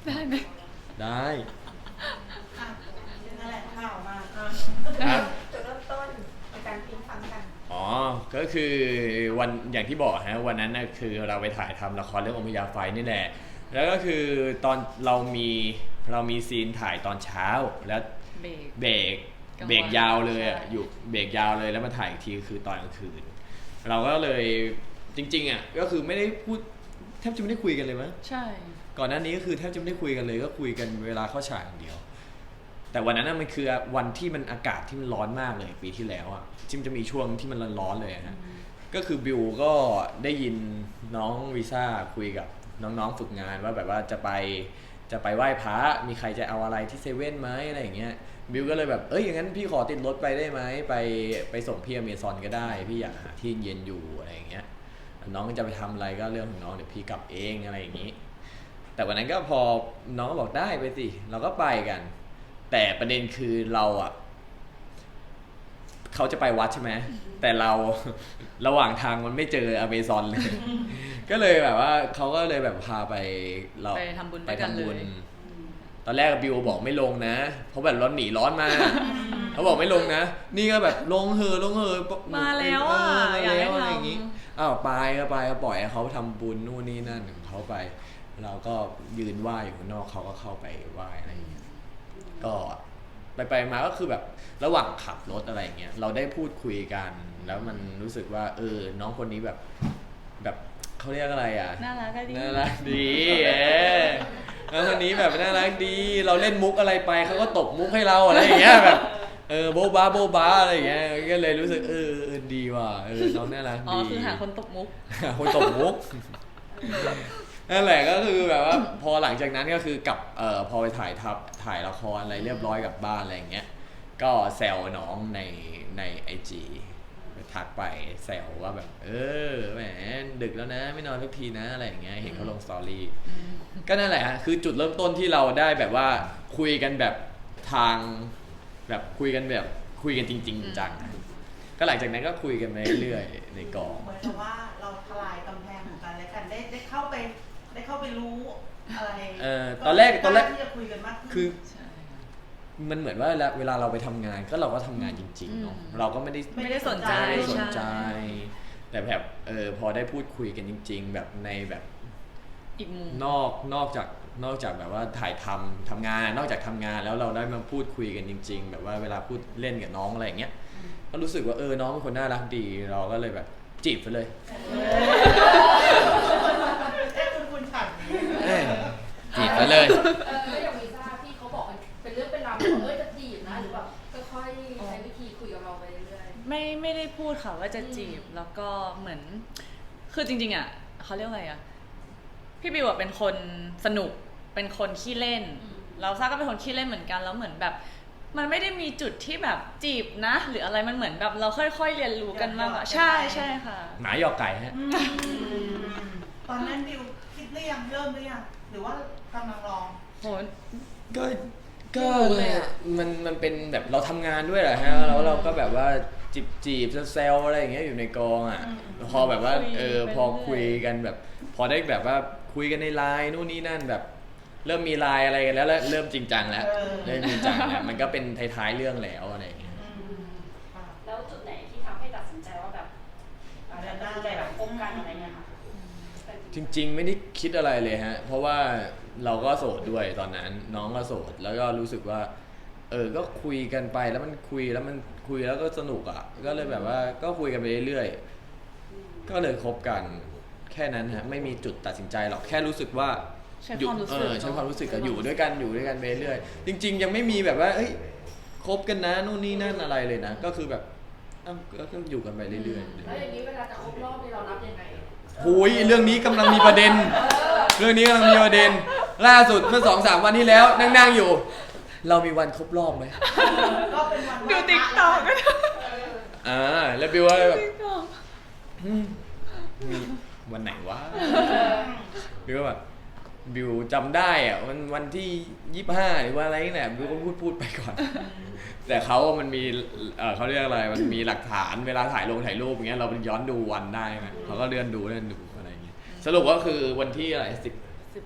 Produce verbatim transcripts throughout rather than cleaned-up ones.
ได้ไหมได้นั่นแหละข่าวมาครับจุดเริ่มต้นในการพิมพ์ฟังกันอ๋อก็คือวันอย่างที่บอกฮะวันนั้นนะคือเราไปถ่ายทำละครเรื่องอมพยาไฟนี่แหละแล้วก็คือตอนเรามีเรามีซีนถ่ายตอนเช้าแล้วเบรกเบรกเบรกยาวเลยอ่ะอยู่เบรกยาวเลยแล้วมาถ่ายอีกทีคือตอนกลางคืนเราก็เลยจริงๆอ่ะก็คือไม่ได้พูดแทบจะไม่ได้คุยกันเลยมั้ยใช่ก่อนหน้านี้ก็คือแทบจะไม่ได้คุยกันเลยก็คุยกันเวลาเข้าฉากอย่างเดียวแต่วันนั้นมันคือวันที่มันอากาศที่มันร้อนมากเลยปีที่แล้วอ่ะที่มันจะมีช่วงที่มันร้อนๆเลยฮะก็คือบิวก็ได้ยินน้องวีซ่าคุยกับน้องๆฝึกงานว่าแบบว่าจะไปจะไปไหว้พระมีใครจะเอาอะไรที่เซเว่นไหมอะไรอย่างเงี้ยบิวก็เลยแบบเอ้ยอย่างนั้นพี่ขอติดรถไปได้ไหมไปไปส่งพี่อเมซอนก็ได้พี่อยากหาที่เย็นอยู่อะไรอย่างเงี้ยน้องจะไปทำอะไรก็เรื่องของน้องเดี๋ยวพี่กลับเองอะไรอย่างงี้แต่วันนั้นก็พอน้องก็บอกได้ไปสิเราก็ไปกันแต่ประเด็นคือเราอ่ะเขาจะไปวัดใช่ไหมแต่เราระหว่างทางมันไม่เจออเมซอนเลยก็เลยแบบว่าเขาก็เลยแบบพาไปเราไปทำบุญไปทำบุญตอนแรกบิวบอกไม่ลงนะเพราะแบบร้อนหนีร้อนมาเขาบอกไม่ลงนะนี่ก็แบบลงเฮอลงเฮอมาแล้วอ่ะอยากให้ทำอย่างงี้อ้าวไปก็ไปก็ปล่อยให้เขาทำบุญนู่นนี่นั่นของเขาไปเราก็ยืนไหว้อยู่ข้างนอกเขาก็เข้าไปไหว้อะไรอย่างเงี้ยก็ไปไปมาก็คือแบบระหว่างขับรถอะไรเงี้ยเราได้พูดคุยกันแล้วมันรู้สึกว่าเออน้องคนนี้แบบแบบเขาเรียกอะไรอ่ะน่ารักดีน่ารักดีเออน้องคนนี้แบบน่ารักดีเราเล่นมุกอะไรไปเขาก็ตบมุกให้เราอะไรอย่างเงี้ยแบบเออโบ๊ะบ้าโบ๊ะบ้าอะไรอย่างเงี้ยก็เลยรู้สึกเออเออดีว่ะเออน้องน่ารักดีอ๋อคือหาคนตบมุกคนตบมุกนั่นแหละก็คือแบบว่าพอหลังจากนั้นก็คือกลับเอ่อพอไปถ่ายทับถ่ายละครอะไรเรียบร้อยกลับบ้านอะไรอย่างเงี้ยก็แซวน้องในใน ไอ จี ทักไปแซวว่าแบบเออแหมดึกแล้วนะไม่นอนทุกทีนะอะไรอย่างเงี้ยเห็นเขาลงสตอรี่ก็นั่นแหละฮะคือจุดเริ่มต้นที่เราได้แบบว่าคุยกันแบบทางแบบคุยกันแบบคุยกันจริงๆจังก็หลังจากนั้นก็คุยกันไปเรื่อยๆในกองเหมือนกับว่าเราทลายกำแพงของกันและกันได้ได้เข้าไปได้เข้าไปรู้อะไรเออตอนแรกตอนแรกที่จะคุยกันมากขึ้นคือมันเหมือนว่าเวลาเราไปทำงานก็เราก็ทำงานจริงๆเนาะเราก็ไม่ได้ไม่ได้สนใจสนใจแต่แบบเออพอได้พูดคุยกันจริงๆแบบในแบบอีกมุมนอกนอกจากนอกจากแบบว่าถ่ายทำทำงานนอกจากทำงานแล้วเราได้มาพูดคุยกันจริงๆแบบว่าเวลาพูดเล่นกับน้องอะไรอย่างเงี้ยก็รู้สึกว่าเออน้องเป็นคนน่ารักดีเราก็เลยแบบจีบไปเลยเอ๊ะคุณคุณฉันจีบไปเลยเออแล้วอย่างวีซ่าพี่เขาบอกเป็นเรื่องเป็นราวเออจะจีบนะหรือแบบค่อยๆใช้วิธีคุยกับเราไปเรื่อยๆไม่ไม่ได้พูดค่ะว่าจะจีบแล้วก็เหมือนคือจริงๆอ่ะเขาเรียกอะไรอ่ะพี่บิวเป็นคนสนุกเป็นคนขี้เล่นเราซ่าก็เป็นคนขี้เล่นเหมือนกันแล้วเหมือนแบบมันไม่ได้มีจุดที่แบบจีบนะหรืออะไรมันเหมือนแบบเราค่อยๆเรียนรู้กันมากกว่าใช่ใช่ค่ะหมาหยอกไก่ฮะตอนนั้นบิวคิดหรือยังเริ่มหรือยังหรือว่ากำลังลองโหก็ก็มันมันเป็นแบบเราทำงานด้วยแหละฮะแล้วเราก็แบบว่าจีบจีบเซลอะไรอย่างเงี้ยอยู่ในกองอ่ะพอแบบว่าเออพอคุยกันแบบพอได้แบบว่าคุยกันในไลน์นู่นนี่นั่นแบบเริ่มมีไลน์อะไรกันแล้วเริ่มจริงจังแล้วเริ่มจริงจังแล้วมันก็เป็นท้ายๆเรื่องแล้วอะไรอย่างเงี้ยแล้วจุดไหนที่ทำให้ตัดสินใจว่าแบบตัดสินใจแบบคบกันอะไรเงี้ยค่ะจริงๆไม่ได้คิดอะไรเลยฮะเพราะว่าเราก็โสดด้วยตอนนั้นน้องก็โสดแล้วก็รู้สึกว่าเออก็คุยกันไปแล้วมันคุยแล้วมันคุยแล้วก็สนุกอ่ะก็เลยแบบว่าก็คุยกันไปเรื่อยๆก็เลยคบกันแค่นั้นฮะไม่มีจุดตัดสินใจหรอกแค่รู้สึกว่าอยู่เออใช้ความรู้สึกกับอยู่ด้วยกันอยู่ด้วยกันไปเรื่อยจริงๆยังไม่มีแบบว่าเอ้ยคบกันนะนู่นนี่นั่นอะไรเลยนะก็คือแบบก็อยู่กันไปเรื่อยๆแล้วอย่างนี้เวลาจะครบรอบนี่เรานับยังไงหุยเรื่องนี้กำลังมีประเด็นเรื่องนี้กำลังมีประเด็นล่าสุดเมื่อสองสามวันที่แล้วนั่งๆอยู่เรามีวันครบรอบไหมก็เป็นวันดูติ๊กต็อกอ่าแล้วบิวว่าแบบวันไหนวะบิวแบบบิวจำได้อะวันวันที่ยี่สิบห้าหรือว่าอะไรนี่แหละบิวก็พูดพูดไปก่อนแต่เขามันมีเออเขาเรียกอะไรมันมีหลักฐานเวลาถ่ายลงถ่ายรูปอย่างเงี้ยเราย้อนดูวันได้ไหมเขาก็เลื่อนดูเลื่อนดูอะไรอย่างเงี้ยสรุปก็คือวันที่อะไรสิบสิบ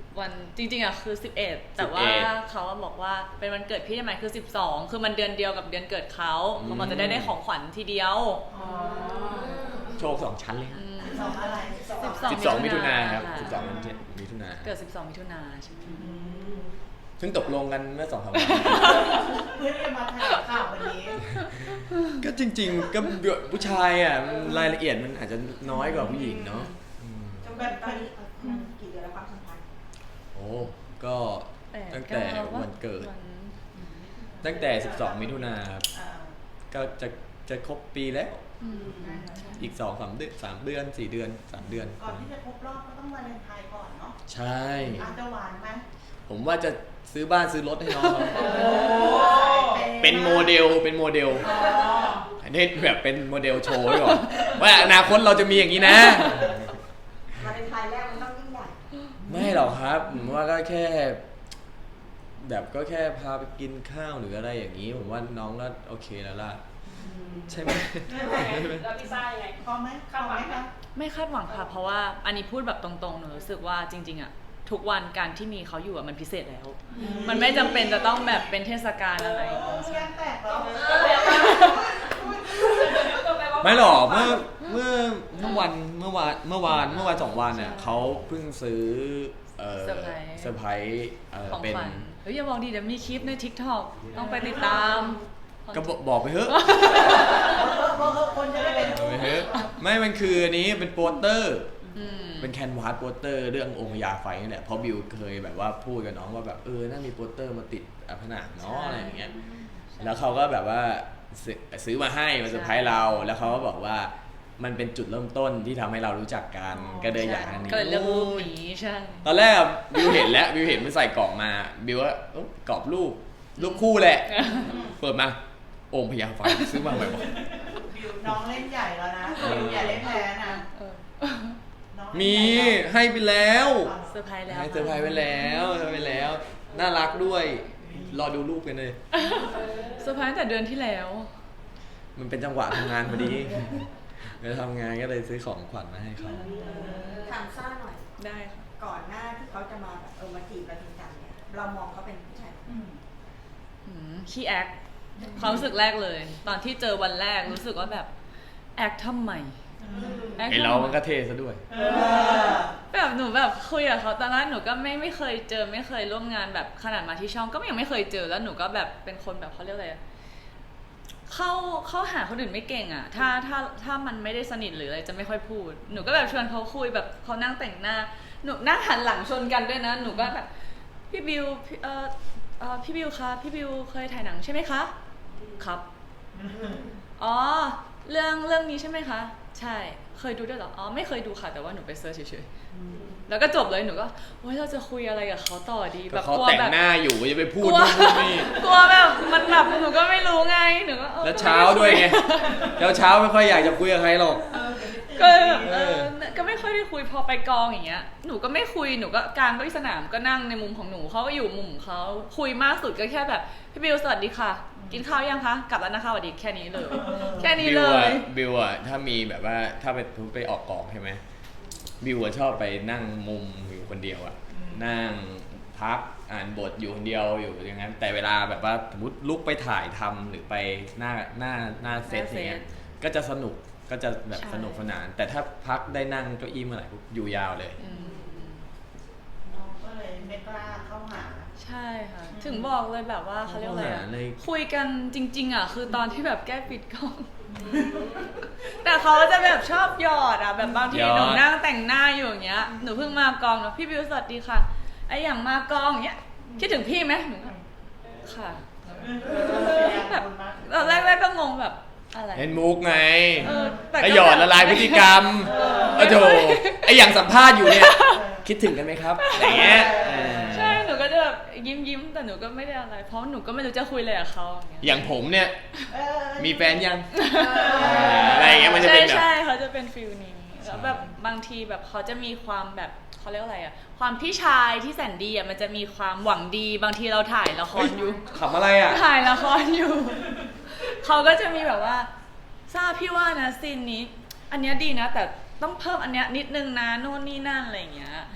วันจริงๆอ่ะคือสิบเอ็ดแต่ว่าเขาบอกว่าเป็นวันเกิดพี่ได้ไหมคือสิบสองคือมันเดือนเดียวกับเดือนเกิดเขาเขาบอกจะได้ได้ของขวัญทีเดียวอ๋อโชคสองชั้นเลยอืมสองอะไรสิบสองมิถุนาครับค่ะสิบสองมิถุนาเกิดสิบสองมิถุนาใช่ไหมอืมเพิ่งตกลงกันเมื่อสองสามวันเพื่อที่จะมาแถลงข่าววันนี้ก็จริงๆก็ผู้ชายอ่ะมันรายละเอียดมันอาจจะน้อยกว่าผู้หญิงเนาะอืมจะแบบตอนนี้กี่เดือนแล้วความสัมพันธ์โอ้ก็ตั้งแต่วันเกิดวันตั้งแต่สิบสองมิถุนาครับอ่าก็จะจะครบปีแล้วอืมอีกสองสามเดือนสามเดือนสี่เดือนสามเดือนก่อนที่จะครบรอบก็ต้องวาเลนไทน์ก่อนเนาะใช่อาจจะหวานไหมผมว่าจะซื้อบ้านซื้อรถให้น้องเขาโอ้เป็นโมเดลเป็นโมเดลอ๋ออันนี้แบบเป็นโมเดลโชว์ไว้ก่อนว่าอนาคตเราจะมีอย่างนี้นะวาเลนไทน์แรกมันต้องยิ่งใหญ่ไม่หรอกครับผมว่าก็แค่ แบบก็แค่พาไปกินข้าวหรืออะไรอย่างนี้ ผมว่าน้องก็โอเคแล้วล่ะ ใช่ไหมแล้วพี่ซ่ายังไงพอไหมพอไหมคะไม่คาดหวังค่ะ เพราะว่าอันนี้พูดแบบตรงๆหนูรู้สึกว่าจริงๆอ่ะทุกวันการที่มีเขาอยู่อ่ะมันพิเศษแล้ว มันไม่จำเป็นจะต้องแบบเป็นเทศกาลอะไรโอ้ยงแตกแล้วก็แปลว่าก็แปลว่าไม่หรอกเมื่อเมื่อเมื่อวันเมื่อวานเมื่อวานเมื่อวานสองวันเนี่ยเขาเพิ่งซื้อเอ่อเซอร์ไพรส์เซอร์ไพรส์เอ่อของเป็นขวัญเฮ้ยอย่าบอกดิเดี๋ยวมีคลิปใน TikTok ต้องไปติดตามก็บอกบอกไปเถอะเพราะคนจะได้เป็นบอกไปเถอะไม่มันคืออันนี้เป็นโปสเตอร์อืมเป็นแคนวาสโปสเตอร์เรื่ององค์พญาไฟนี่แหละเพราะบิวเคยแบบว่าพูดกับน้องว่าแบบเออน่ามีโปสเตอร์มาติดผนังเนาะอะไรอย่างเงี้ยแล้วเขาก็แบบว่าซื้อซื้อมาให้มาเซอร์ไพรส์เราแล้วเขาก็บอกว่ามันเป็นจุดเริ่มต้นที่ทำให้เรารู้จักกันก็เลยอยากอันนี้ก็เลยเลือกรูปนี้ใช่ตอนแรกบิวเห็นแล้วบิวเห็นมันใส่กล่องมาบิวว่าเอ้ากรอบรูปรูปคู่แหละ เปิดมาองค์พญาไฟซื้อมาใหม่บอกบิวน้องเล่นใหญ่แล้วนะบิวอย่าเล่นแพ้นะเออน้องมีเล่นใหญ่แล้วให้ไปแล้วเซอร์ไพรส์แล้วให้เซอร์ไพรส์ไปแล้วเซอร์ไพรส์ไปแล้ว น่ารักด้วย รอดูรูปกันเลยเซอร์ไพรส์ตั้งแต่เดือนที่แล้วมันเป็นจังหวะทำงานพอดีเวลาทำงานก็เลยซื้อของขวัญมาให้เขาถามซ่าหน่อยได้ค่ะก่อนหน้าที่เขาจะมาแบบเออมาจีบเราจริงจังเนี่ย เรามองเขาเป็นผู้ชายอืมอืมขี้แอคความรู้สึกแรกเลย ตอนที่เจอวันแรกรู้สึกว่าแบบแอคทำไมแอคไอทำเราไมมันก็เท่ซะด้วยเออแบบหนูแบบคุยกับเขาตอนนั้นหนูก็ไม่ไม่เคยเจอไม่เคยร่วมงานแบบขนาดมาที่ช่องก็ยังไม่เคยเจอแล้วหนูก็แบบเป็นคนแบบเขาเรียกอะไรอะเข้าเข้าหาคนอื่นไม่เก่งอ่ะ ถ้าถ้าถ้ามันไม่ได้สนิทหรืออะไรจะไม่ค่อยพูด หนูก็แบบชวนเขาคุยแบบเขานั่งแต่งหน้าหนูนั่งหันหลังชนกันด้วยนะหนูก็แบบพี่บิวพี่เออเออพี่บิวคะพี่บิวเคยถ่ายหนังใช่ไหมคะครับอ๋อเรื่องเรื่องนี้ใช่ไหมคะใช่เคยดูด้วยเหรออ๋อไม่เคยดูค่ะแต่ว่าหนูไปเซิร์ชเฉยๆแล้วก็จบเลยหนูก็โอ๊ยเราจะคุยอะไรกับเขาต่อดีแบก็บเขากลัวแต่งแบบหน้าอยู่จะไปพูกดลัวนู่นพูดนี่กลัวแบบมันแบบหนูก็ไม่รู้ไงหนูก็ออแล้วเช้าด้วยไงแล้วเช้าไม่ค่อยอยากจะคุยกับใครหรอกก็แบบเอเอออก็ไม่ค่อยได้คุยพอไปกองอย่างเงี้ยหนูก็ไม่คุยหนูก็กลางก็ที่สนามก็นั่งในมุมของหนูเขาก็อยู่มุมของเขาคุยมากสุดก็แค่แบบพี่บิวสวัสดีค่ะ กินข้าวยังคะกลับแล้วนะคะสวัสดีแค่นี้เลย แค่นี้บิเลวอะยบิวอะถ้ามีแบบว่าถ้าไปไปออกกองใช่ไหมบิวอะชอบไปนั่งมุมอยู่คนเดียวอะนั่งพักอ่านบทอยู่คนเดียวอยู่อย่างนั้นแต่เวลาแบบว่าสมมติลุกไปถ่ายทำหรือไปหน้าหน้าหน้าเซตอย่างเงี้ยก็จะสนุกก็จะแบบใช่สนุกสนาน แต่ถ้าพักได้นั่งเก้าอี้เมื่อไหร่ปุ๊บอยู่ยาวเลยอืมน้องก็เลยไม่กล้าเข้าหาใช่ค่ะ ถึงบอกเลยแบบว่าเขาเรียกว่าอะไรเข้าอะหาเลยคุยกันจริง ๆอ่ะคือตอนที่แบบแก้ปิดกล้อง แต่เขาจะแบบชอบหยอดอ่ะแบบบางทีหนูนั่งแต่งหน้าอยู่อย่างเงี้ยหนูเพิ่งมากองเนาะพี่บิวสวัสดีค่ะไออย่างมากองอย่างเงี้ยคิดถึงพี่ไหมหนูก็ค่ะแบบตอนแรกๆก็งงแบบอะไรเล่นมุกไงเออแต่ก็ไอหยอดละลายพฤติกรรมเออโอ้โหไออย่างสัมภาษณ์อยู่เนี่ย คิดถึงกันไหมครับอย่างเงี้ยเออใช่หนูก็จะแบบยิ้มยิ้มๆแต่หนูก็ไม่ได้อะไร เพราะหนูก็ไม่รู้จะคุยอะไรกับเขาอย่างเงี้ยอย่างผมเนี่ยเออมีแฟนยัง อะไรอย่างเงี้ยมันจะเป็นแบบใช่ใช่เขาจะเป็นฟิลนี้แล้วแบบบางทีแบบเขาจะมีความแบบเขาเรียกว่าอะไรอะความพี่ชายที่แสนดีอะมันจะมีความหวังดีบางทีเราถ่ายละครอยู่ขำอะไรอ่ะถ่ายละครอยู่ เขาก็จะมีแบบว่าทราบพี่ว่านะซีนนี้ อันเนี้ยดีนะ แต่ต้องเพิ่มอันเนี้ยนิดนึงนะโน่นนี่นั่นอะไรอย่างเงี้ย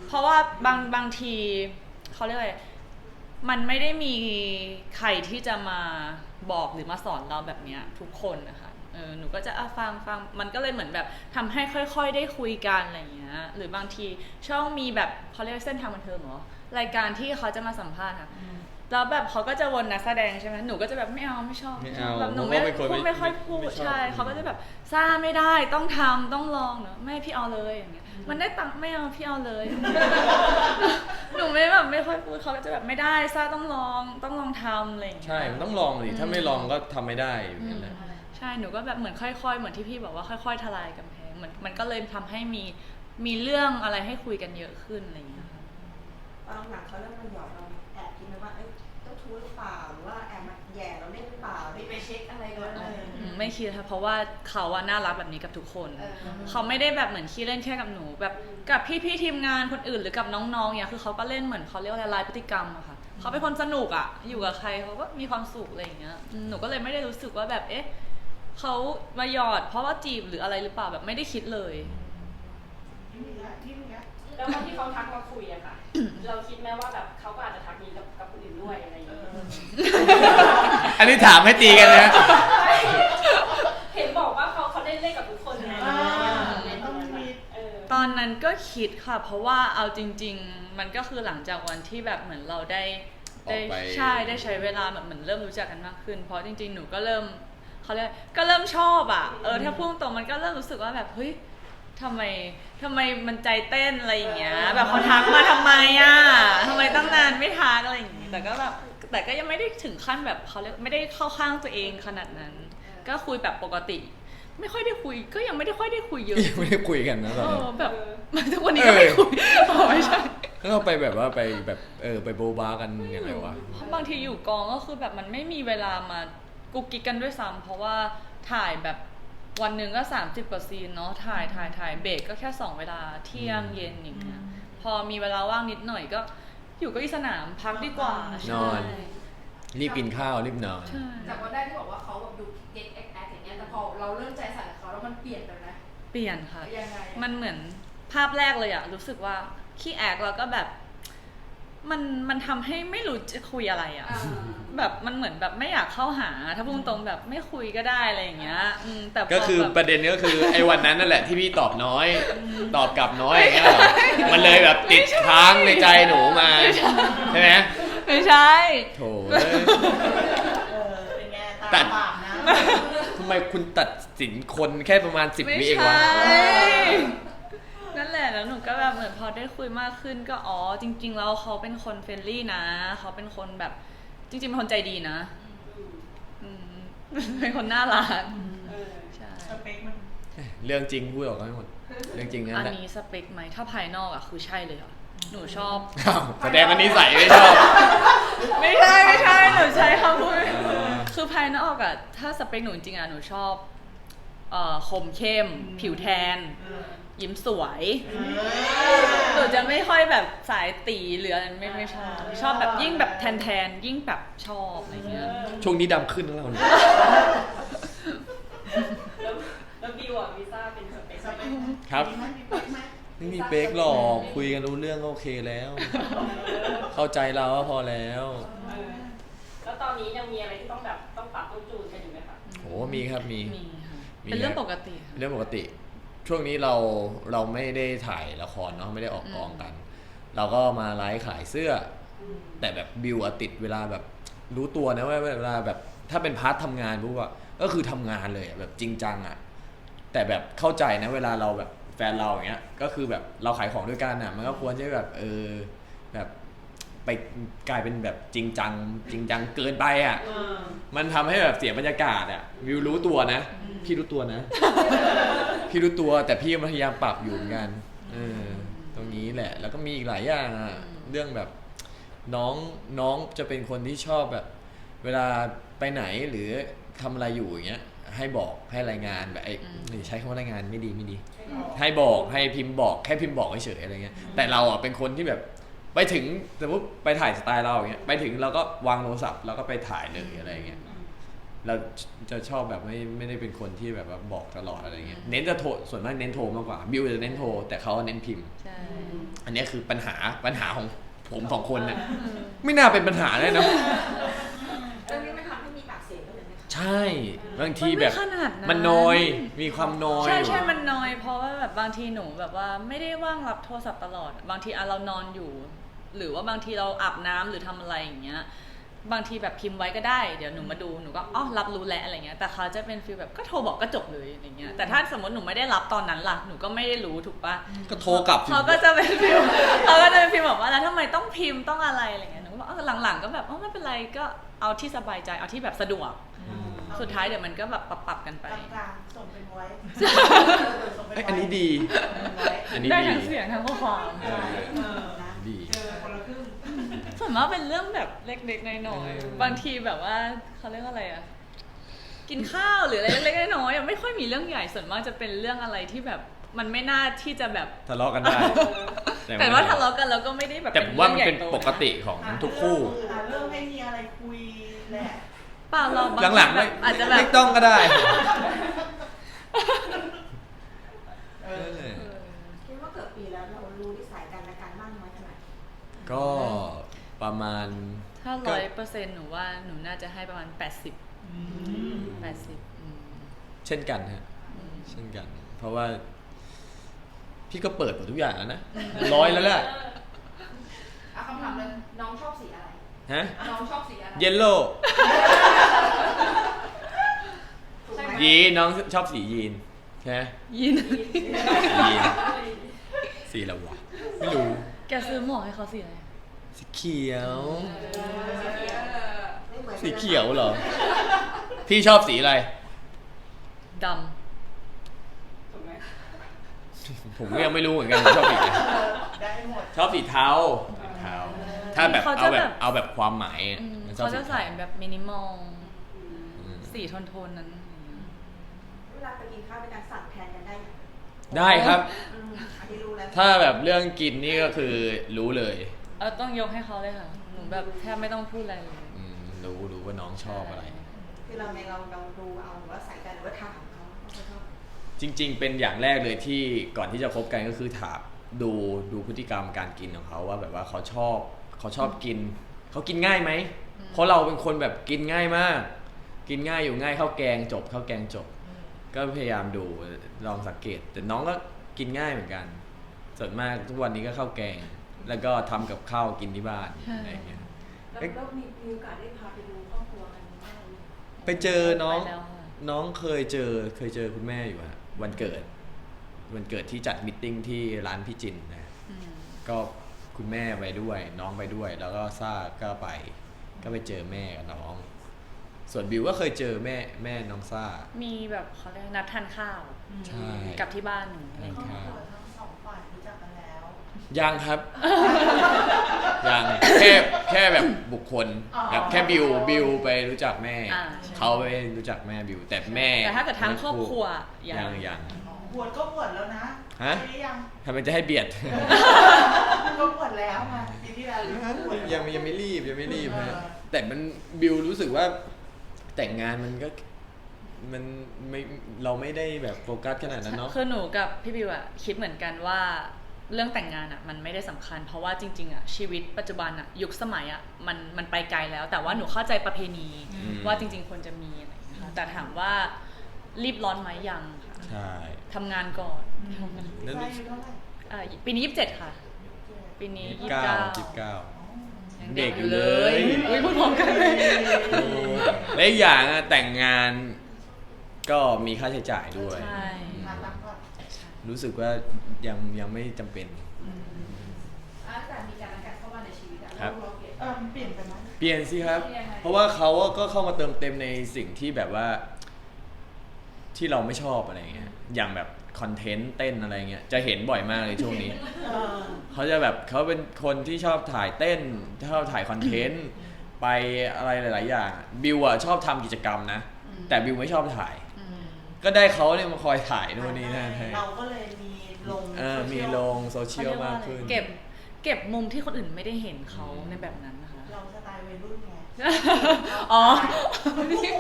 เพราะว่าบางบางทีเขาเรียกอะไรมันไม่ได้มีใครที่จะมาบอกหรือมาสอนเราแบบเนี้ยทุกคนนะคะเออหนูก็จะอ่ะฟังฟังมันก็เลยเหมือนแบบทำให้ค่อยๆได้คุยกันอะไรอย่างเงี้ยหรือบางทีช่องมีแบบเขาเรียกเส้นทางบันเทิงเหรอรายการที่เขาจะมาสัมภาษณ์ค่ะแล้วแบบเขาก็จะวนนักแสดงใช่ไหมหนูก็จะแบบไม่เอาไม่ชอบไม่เอาแบบหนูไม่เพราะว่าเป็นคนพูดไม่ค่อยพูไม่ดชอบใช่เขาก็จะแบบซ่าไม่ได้ต้องทำต้องลองเนอะไม่พี่เอาเลยอย่างเงี้ยมันได้ตังค์ไม่เอาพี่เอาเลย หนูไม่แบบไม่ค่อยพูดเขาก็จะแบบไม่ได้ซ่าต้องลองต้องลองทำอะไรอย่างเงี้ยใช่มันต้องลองดิถ้าไม่ลองก็ทำไม่ได้อยู่นั่นแหละใช่หนูก็แบบเหมือนค่อยๆเหมือนที่พี่บอกว่าค่อยๆทลายกำแพงเหมือนมันก็เลยทำให้มีมีเรื่องอะไรให้คุยกันเยอะขึ้นอะไรอย่างเงี้ยค่ะตอนหลังเขาเริ่มมาหยอดเราแอบคิดไหมว่าเอ้ยเจ้าชู้หรือเปล่าหรือว่าแอบมาแย่เราเล่นหรือเปล่าได้ไปเช็คอะไรกันเอออืมไม่คิดค่ะเพราะว่าเขาอะน่ารักแบบนี้กับทุกคนเออเขาไม่ได้แบบเหมือนขี้เล่นแค่กับหนูแบบกับพี่ๆทีมงานคนอื่นหรือกับน้องๆเนี่ยคือเขาก็เล่นเหมือนเขาเรียกว่าอะไรลายพฤติกรรมอะค่ะเขาเป็นคนสนุกอะอยู่กับใครเขาก็มีความสุขอะไรอย่างเงี้ยอืมหนูก็เลยไม่ได้รู้สึกว่าแบบเอ๊ะเขามาหยอดเพราะว่าจีบหรืออะไรหรือเปล่าแบบไม่ได้คิดเลยที่มีอะที่มีอะแล้วตอนที่เขาทักมาคุยอะค่ะ เราคิดไหมว่าแบบเขาก็อาจจะทักนี้กับกับคนอื่นด้วยอะไรอย่างเงี้ยอันนี้ถามให้ตีกันนะเห็นบอกว่าเขาเขาได้เล่นกับทุกคนไงอ่าเล่นต้องมีเออตอนนั้นก็คิดค่ะ เพราะว่าเอาจริง ๆ มันก็คือหลังจากวันที่แบบเหมือนเราได้ได้ออกไปใช่ได้ใช้เวลาแบบเหมือนเริ่มรู้จักกันมากขึ้น เพราะจริง ๆ หนูก็เริ่มเขาเรียกก็เริ่มชอบอ่ะเออถ้าพูดตรงๆมันก็เริ่มรู้สึกว่าแบบเฮ้ยทำไมทำไมมันใจเต้นอะไรอย่างเงี้ยแบบเขาทักมาทำไมอ่ะทำไมตั้งนานไม่ทักอะไรอย่างงี้แต่ก็แบบแต่ก็ยังไม่ได้ถึงขั้นแบบเขาเรียกไม่ได้เข้าข้างตัวเองขนาดนั้น ก็คุยแบบปกติ ไม่ค่อยได้คุยก็ยังไม่ได้ค่อยได้คุยเยอะยังไม่ได้คุยกันนะตอนเอนี้อแบบทุกวันนี้ก็ไม่คุยอ๋อไม่ใช่แล้วเราไปแบบว่าไปแบบเออไปโบบากันยังไงวะเพราะบางทีอยู่กองก็คือแบบมันไม่มีเวลามากุกกิกกันด้วยซ้ำเพราะว่าถ่ายแบบวันหนึ่งก็สามสิบกว่าซีนเนาะถ่ายถ่ายถ่ายเบรกก็แค่สองเวลาเที่ยงเย็นอย่างเงี้ยพอมีเวลาว่างนิดหน่อยก็อยู่เก็อีสนามพักดีกว่านอน รีบกินข้าวรีบนอนใช่จากวันแรกที่บอกว่าเขาแบบดูเก็ตแอคแอคอย่างเงี้ยแต่พอเราเริ่มใจสั่นกับเขาแล้วมันเปลี่ยนไปไหมเปลี่ยนค่ะยังไงมันเหมือนภาพแรกเลยอะรู้สึกว่าขี้แอกแล้วก็แบบมันมันทำให้ไม่รู้จะคุยอะไรอะอ่าแบบมันเหมือนแบบไม่อยากเข้าหาถ้าพูดตรงๆแบบไม่คุยก็ได้อะไรอย่างเงี้ยอืมแต่พก็คือแบบประเด็นก็คือไอ้วันนั้นนั่นแหละที่พี่ตอบน้อย ตอบกลับน้อยอย่างเงี้ยเหรอมันเลยแบบติดค้างในใจหนูมาใช่ไหมไม่ใช่โถเอ้ยเออเป็นไงตัตาดบาปนะทำไมคุณตัดสินคนแค่ประมาณสิบไม่วิเองใช่วะนั่นแหละแล้วหนูก็แบบเหมือนพอได้คุยมากขึ้นก็อ๋อจริง ๆ แล้วเขาเป็นคนเฟรนลี่นะเขาเป็นคนแบบจริงๆเป็นคนใจดีนะอืมเป็นคนน่ารักเออใช่สเปคมันเรื่องจริงพูดออกมาให้หมดเรื่องจริงนั่อันนแหละนี้สเปคไหมถ้าภายนอกอะคือใช่เลยค่ะหนูชอบอ้าวแสดงว่านิสัยไม่ชอบไม่ใช่ไม่ใช่หนูใช้คำพูดอ่าคือภายนอกอะถ้าสเปคหนูจริงๆอะหนูชอบเอ่อคมเข้ม ผิวแทนเออยิ้มสวยเอหนูอจะไม่ค่อยแบบสายตีหรืออะไรไม่ไม่ชอบ ชอบแบบยิ่งแบบแทนแทนๆยิ่งแบบชอบอะไรเงี้ยช่วงนี้ดำขึ้นแล้วเราเนี่ยแล้วแล้วบิวอะวีซ่าเป็นสเปคสเปไหมคครับมีไหมมีเป๊กไหมไม่มีเป๊กหรอกคุยกันรู้เรื่องก็โอเคแล้ว เข้าใจเราก็พอแล้วเออแล้วตอนนี้ยังมีอะไรที่ต้องแบบต้องปรับต้องจูนกันอยู่ไหมคะโหมีครับมีมีค่ะมีเป็นเรื่องปกติค่ะเรื่องปกติ ช่วงนี้เราเราไม่ได้ถ่ายละครเนาะไม่ได้ออกกองกัน เราก็มาไลฟ์ขายเสื้อ แต่แบบบิวอะติดเวลาแบบรู้ตัวนะว่าเวลาแบบถ้าเป็นพาร์ททำงานปุ๊บอะก็คือทำงานเลยอะแบบจริงจังอะแต่แบบเข้าใจนะเวลาเราแบบแฟนเราอย่างเงี้ยก็คือแบบเราขายของด้วยกันอะมันก็ควรจะแบบเออแบบไปกลายเป็นแบบจริงจังจริงจังเกินไปอะเออมันทำให้แบบเสียบรรยากาศอะวิวรู้ตัวนะ พี่รู้ตัวนะ พี่รู้ตัวแต่พี่พยายามปรับอยู่เหมือนกันเออตรงนี้แหละ แล้วก็มีอีกหลายอย่างอะเรื่องแบบน้องน้องจะเป็นคนที่ชอบแบบ เวลาไปไหนหรือทำอะไรอยู่อย่างเงี้ย ให้บอกให้รายงานแบบไอ้นี่ใช้คำว่ารายงานไม่ดีไม่ดี ให้บอกให้พิมพ์บอกแค่พิมพ์บอกเฉยๆอะไรเงี้ยแต่เราอ่ะเป็นคนที่แบบไปถึงสมมติไปถ่ายสไตล์เราอย่างเงี้ยไปถึงเราก็วางโทรศัพท์แล้วก็ไปถ่ายเลยอะไรเงี้ยเราจะชอบแบบไม่ไม่ได้เป็นคนที่แบบว่าบอกตลอดอะไรเงี้ยเน้นจะโทรส่วนมากเน้นโทรมากกว่าบิวจะเน้นโทรแต่เขาเน้นพิมพ์ใช่ออันนี้คือปัญหาปัญหาของผมสองคนเนี่ยไม่น่าเป็นปัญหาเลยนะเรื่องนี้มันทำให้มีปากเสียงกันเลยไหมคะใช่บางทีแบบมันไม่ขนาดนั้นมันน้อยมีความน้อยใช่อยู่ใช่มันน้อยเพราะว่าแบบบางทีหนูแบบว่าไม่ได้ว่างรับโทรศัพท์ตลอด บางทีอ่ะเรานอนอยู่ หรือว่าบางทีเราอาบน้ำหรือทำอะไรอย่างเงี้ยบางทีแบบพิมพ์ไว้ก็ได้เดี๋ยวหนูมาดูหนูก็อ๋อรับรู้แล้วอะไรเงี้ยแต่เขาจะเป็นฟีลแบบก็โทรบอกก็จบเลยอะไรเงี้ยแต่ถ้าสมมติหนูไม่ได้รับตอนนั้นล่ะหนูก็ไม่ได้รู้ถูกปะก็โทรกลับสิเขาก็จะเป็นฟีลเขาก็จะเป็นฟีลแบบว่าแล้วทำไมต้องพิมพ์ต้องอะไรอะไรเงี้ยหนูก็บอกเออหลังๆก็แบบอ๋อไม่เป็นไรก็เอาที่สบายใจเอาที่แบบสะดวกอืมสุดท้ายเดี๋ยวมันก็แบบปรับๆกันไปกลางๆส่งเป็นไว้ส่งเป็นเอ้ยไว้อันนี้ดีส่งเป็นไว้อันนี้ได้ดีทั้งเสียงทั้งข้อความเออเออดีเจอคนละครึ่งส่วนมากเป็นเรื่องแบบเล็กๆน้อยเออๆบางทีแบบว่าเขาเรียกว่าอะไรอะกินข้าวหรืออะไรเล็กๆน้อยๆอะไม่ค่อยมีเรื่องใหญ่ส่วนมากจะเป็นเรื่องอะไรที่แบบมันไม่น่าที่จะแบบทะเลาะกันได้แต่ว่าทะเลาะกันแล้วก็ไม่ได้แบบแต่ผมว่ามันเป็นรื่องใหญ่โตปกติของทุกคู่อ่ะเริ่มให้มีอะไรคุยแหละเปล่าเราบางทีหลังๆแบไม่บอาจจะแบไม่บต้องก็ได้เออคิดว่าเกิดปีแล้วเรารู้นิสัยกันและกันมากน้อยขนาดไหนก็ประมาณถ้าร้อยเปอร์เซ็นต์หนูว่าหนูน่าจะให้ประมาณแปดสิบอืมแปดสิบอืมเช่นกันฮะเช่นกัน เพราะว่า พี่ก็เปิดหมดทุกอย่างแล้วนะร้อยแล้วแหละอ่ะคำถามเลยน้องชอบสีอะไรฮะน้องชอบสีอะไรเยลโล่ถูกไหมยีนน้องชอบสียีนใช่ไหมยินยีนสีอะไรวะไม่รู้แกซื้อหมวกให้เขาสีอะไรสีเขียวไม่เหมือนกันสีเขียวเหรอ พี่ชอบสีอะไรดถูกไหมผมก็ยังไม่รู้เหมือนกันผมชอบสีอะไรได้หมดชอบสีเทาสีเทาถ้าแบบเอาแบบเอาแบบความหมายอะำอืมมันชอบเขาสีจะเทาใส่แบบมินิมอลอืมสีโทนๆนั้นเวลาไปกินข้าวเป็นการสั่งแทนกันได้ไหมได้ครับอืมอันนี้รู้แล้วถ้าแบบเรื่องกินนี่ก็คือรู้เลยเออต้องยกให้เขาเลยค่ะ หนูแบบแทบไม่ต้องพูดอะไรเลยอืมรู้รู้ว่าน้องชอบอะไรคือเราในเราเราดูเอาหรือว่าใส่กันหรือว่าถามเขาว่าเขาชอบจริง ๆ เป็นอย่างแรกเลยที่ก่อนที่จะคบกันก็คือถามดูดูพฤติกรรมการกินของเขาว่าแบบว่าเขาชอบเขาชอบกินเขากินง่ายไหมเพราะเราเป็นคนแบบกินง่ายมาก กินง่ายอยู่ง่ายข้าวแกงจบข้าวแกงจบ ก็พยายามดูลองสังเกต แต่น้องก็กินง่ายเหมือนกัน ส่วนมากทุกวันนี้ก็ข้าวแกง แล้วก็ทำกับข้าวกินที่บ้านอะไรอย่างเงี้ยแล้วแล้วมีมีโอกาสได้พาไปดูครอบครัวกันบ้างไหมไปเจอน้องไปแล้วค่ะน้องเคยเจอเคยเจอคุณแม่อยู่ฮะวันเกิด วันเกิดที่จัดมิทติ้งที่ร้านพี่จินนะอืมก็คุณแม่ไปด้วย น้องไปด้วย แล้วก็ซ่าก็ไป ก็ไปเจอแม่กับน้อง ส่วนบิวก็เคยเจอแม่แม่น้องซ่ามีแบบเขาเรียกนัดทานข้าวใช่กับที่บ้านหนูอะไรอย่างครอบเงี้ยครัวทั้งสองฝ่ายรู้จักกันแล้วยังครับ ยังแค่แค่แบบบุคคลอ๋อแบบแค่บิวบิวไปรู้จักแม่อ่าใช่เขาไปรู้จักแม่บิวแต่แม่แต่ถ้าเกิดทั้งครอบครัวยัยัง งยังบวชก็บวชแล้วนะฮะปีนี้ยังทำไมจะให้เบียดก็บวชแล้วไงปีที่แล้วบวชยังยังไม่รีบยังไม่รีบเออฮะแต่มันบิวรู้สึกว่าแต่งงานมันก็มันไม่เราไม่ได้แบบโฟกัสขนาดนั้นเนาะคือหนูกับพี่บิวอะคิดเหมือนกันว่าเรื่องแต่งงานอะมันไม่ได้สำคัญ เพราะว่าจริงๆอะชีวิตปัจจุบันอะยุคสมัยอะมันมันไปไกลแล้ว แต่ว่าหนูเข้าใจประเพณีอืมว่าจริง ๆควรจะมีอะไรอย่างเงี้ยค่ะแต่ถามว่ารีบร้อนไหมยังค่ะใช่ทำงานก่อนแล้วใช่อยู่เท่าไหร่อ่าปีนี้ยี่สิบเจ็ดค่ะ ปีนี้ยี่ยี่สิสิบบ เก้าเก้ายี่สิบเก้ายังเด็กอยู่เลยอุ้ยพูดพร้อมกันเลยและอีกอย่างอะแต่งงานก็มีค่าใช้จ่ายด้วยใช่มาตั้งก่อนรู้สึกว่ายังยังไม่จำเป็นอ่ะแต่มีการนัดกันเข้ามาในชีวิตอะครับเราเปลี่ยนเออมันเปลี่ยนไปไหมเปลี่ยนสิครับเปลี่ยนยังไงเพราะว่าเขาก็เข้ามาเติมเต็มในสิ่งที่แบบว่า ที่เราไม่ชอบอะไรเงี้ย อย่างแบบคอนเทนต์เต้นอะไรเงี้ย จะเห็นบ่อยมากเลยช่วงนี้เออเขาจะแบบเขาเป็นคนที่ชอบถ่ายเต้น ชอบถ่ายคอนเทนต์ ไปอะไรหลาย ๆ อย่าง บิวอะชอบทำกิจกรรมนะ แต่บิวไม่ชอบถ่ายอืมก็ได้เขาเนี่ยมาคอยถ่ายนู่นนี่นั่นให้เราก็เลยมีลงเออมีลงโซเชียลมากขึ้นเก็บเก็บมุมที่คนอื่นไม่ได้เห็นเขาในแบบนั้นนะคะเราสไตล์วัยรุ่นไงอ๋อลูก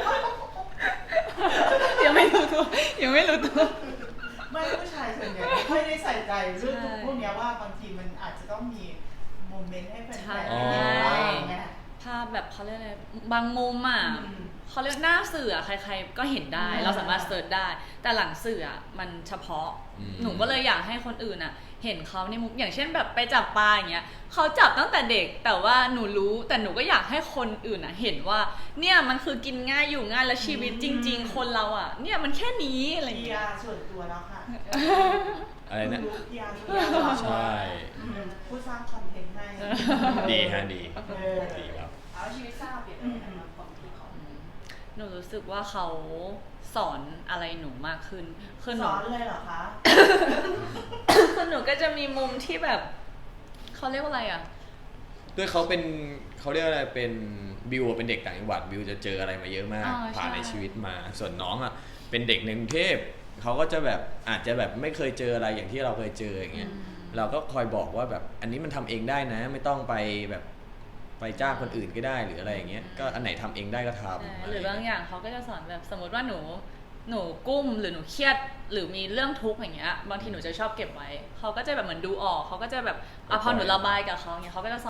ยังไม่รู้ตัวยังไม่รู้ตัวไม่ผู้ชายส่วนใหญ่ค่อยได้ใส่ใจเรื่องพวกเนี้ยว่าบางทีมันอาจจะต้องมีโมเมนต์ให้แฟนๆได้เห็นบ้างไงภาพแบบเขาเรียกอะไรบางมุมอ่ะอืมเขาเรียกหน้าสื่ออะใครๆก็เห็นได้อืมเราสามารถเสิร์ชได้ แต่หลังสื่ออะมันเฉพาะอืมหนูก็เลยอยากให้คนอื่นอ่ะ เห็นเขาในมุมอย่างเช่นแบบไปจับปลาอย่างเงี้ยเขาจับตั้งแต่เด็กแต่ว่าหนูรู้แต่หนูก็อยากให้คนอื่นอ่ะเห็นว่า เนี่ยมันคือกินง่ายอยู่ง่ายแล้วชีวิตจริง ๆ คนเราอ่ะ เนี่ยมันแค่นี้อะไรอย่างพีเงี้ยอาร์ส่วนตัวแล้วค่ะอะไรนะพีอาร์ส่วนตัวใช่อืมผู้สร้างคอนเทนต์ให้ดีฮะดีเออดีครับเอาชีวิตทราบเปลี่ยนไปไหมคะของพี่เขาหนูรู้สึกว่าเขาสอนอะไรหนูมากขึ้นคือหสนูอนเลยเหรอคะคือหนูก็จะมีมุมที่แบบเขาเรียกว่าอะไรอ่ะด้วยเขาเป็นเขาเรียกอะไรเป็นบิวอะเป็นเด็กต่างจังหวัดบิวจะเจออะไรมาเยอะมากอ๋อผ่านใช่ในชีวิตมา ส่วนน้องอ่ะเป็นเด็กในกรุงเทพเขาก็จะแบบอาจจะแบบไม่เคยเจออะไรอย่างที่เราเคยเจออย่างเงี้ยอืมเราก็คอยบอกว่าแบบอันนี้มันทำเองได้นะ ไม่ต้องไปแบบไปจ้างคนอื่นก็ได้หรืออะไรอย่างเงี้ยก็อันไหนทำเองได้ก็ทำใช่ะหไรือบางอย่างเขาก็จะสอนแบบสมมติว่าหนูหนูกุ้มหรือหนูเครียดหรือมีเรื่องทุกข์อย่างเงี้ยบางทีหนูจะชอบเก็บไว้เขาก็จะแบบเหมือนดูออกเขาก็จะแบบอ่ะพอหนูระบายกับเขาเงี้ยเขาก็จะสอน